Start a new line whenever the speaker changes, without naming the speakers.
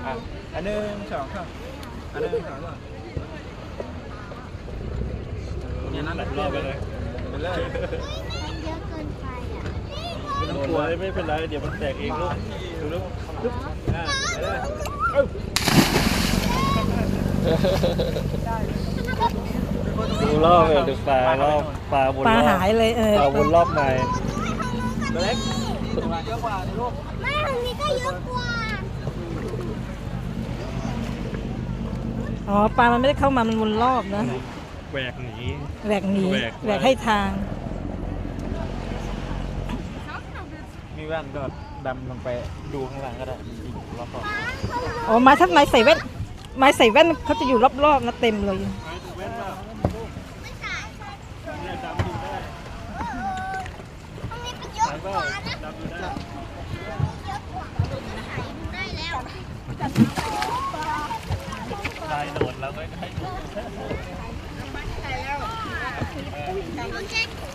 อันหนึ่งสองครับอันหนึ่งสองก่อนเนี่ยนั่นแหละรอไปเลยไปเลย
มันเยอะเกินไปอ่ะ
ไม่ต้องกลัวไม่เป็นไรเดี๋ยวมันแตกเองลูกดูลูกไปเลยดูรอบเลยดูปลารอบปลาบนรอบ
ปลาหายเลย
ปลาบนรอบในเล็กเยอะกว่าลูก
ไม่ทางนี้ก็เยอะกว่า
อ๋อปลามันไม่ได้เข้ามามันวนรอบนะ
แหวกหนี
แหวกหนี
แหวก
แหวกให้ทาง
มีแว่นก็ดำลงไปดูข้างหลังก็ได้อีกรอบ
อ๋อไม้ถ้าไม้ใส่แว่นไม้ใส่แว่นเขาจะอยู่รอบๆนะเต็มเลย
แว่นป่ะเนี่ยดำดูได้
ทางนี้ก็เยอะกว่านะ
ดำดูได้
เยอะกว่าถ่ายดูได้แล้ว
ลายโดดแล้วก็ให้ดู
โอเค